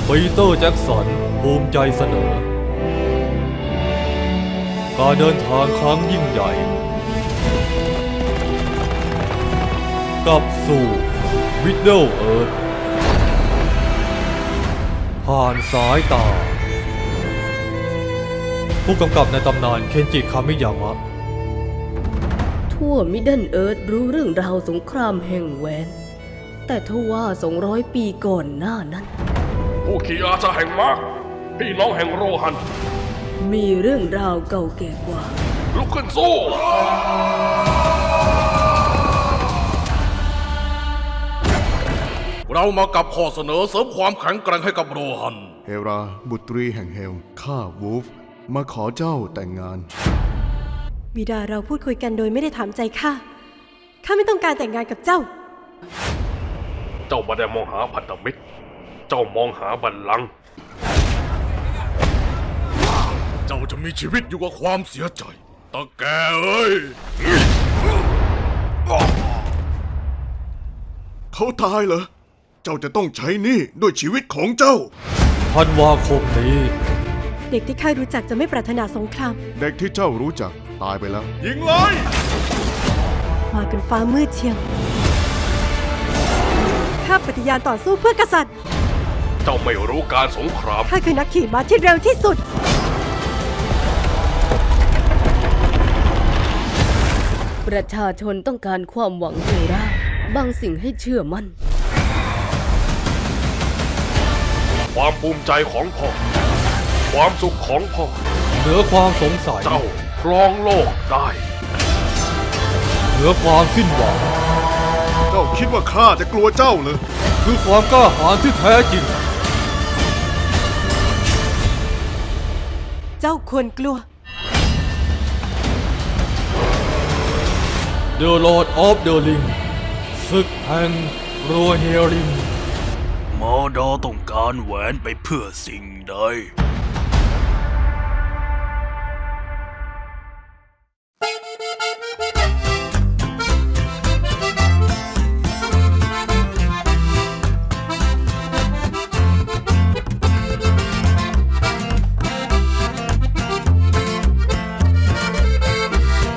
ปีเตอร์แจ็กสันภูมิใจเสนอ การเดินทางครั้งยิ่งใหญ่กลับสู่มิดเดิลเอิร์ธผ่านสายตา ผู้กำกับในตำนานเคนจิคามิยามะทั่วมิดเดิลเอิร์ธรู้เรื่องราวสงครามแห่งแหวนแต่ทว่า200 ปีก่อนหน้านั้นผู้ขี่อาชาแห่งมาร์คพี่น้องแห่งโรฮันมีเรื่องราวเก่าแก่กว่าลุกขึ้นสู้ เรามากับข้อเสนอเสริมความแข็งแกร่งให้กับโรฮันเฮราบุตรีแห่งเฮลข้าวูฟมาขอเจ้าแต่งงานบิดาเราพูดคุยกันโดยไม่ได้ถามใจข้าไม่ต้องการแต่งงานกับเจ้าเจ้าไม่ได้มองหาพันธมิตร เจ้ามองหาบัลลังก์เจ้าจะมีชีวิตอยู่กับความเสียใจตาแกเอ้ยเขาตายเหรอ เจ้าจะต้องใช้หนี้ด้วยชีวิตของเจ้าธันวาคมนี้เด็กที่ข้ารู้จักจะไม่ปรารถนาสงครามเด็กที่เจ้ารู้จักตายไปแล้วยิงเลยมากันฟ้ามืดเชียวข้าปฏิญาณต่อสู้เพื่อกษัตริย์เจ้าไม่รู้การสงครามข้าคือนักขี่ม้าที่เร็วที่สุดประชาชนต้องการความหวังเฮราบางสิ่งให้เชื่อมั่นความภูมิใจของพ่อ ความสุขของพ่อเหนือความสงสัยเจ้าครองโลกได้เหนือความสิ้นหวังเจ้าคิดว่าข้าจะกลัวเจ้าเหรอคือความกล้าหาญที่แท้จริงเจ้าควรกลัว The Lord of the Ring ศึกแห่งรัวเฮลิงมอดอต้องการแหวนไปเพื่อสิ่งใด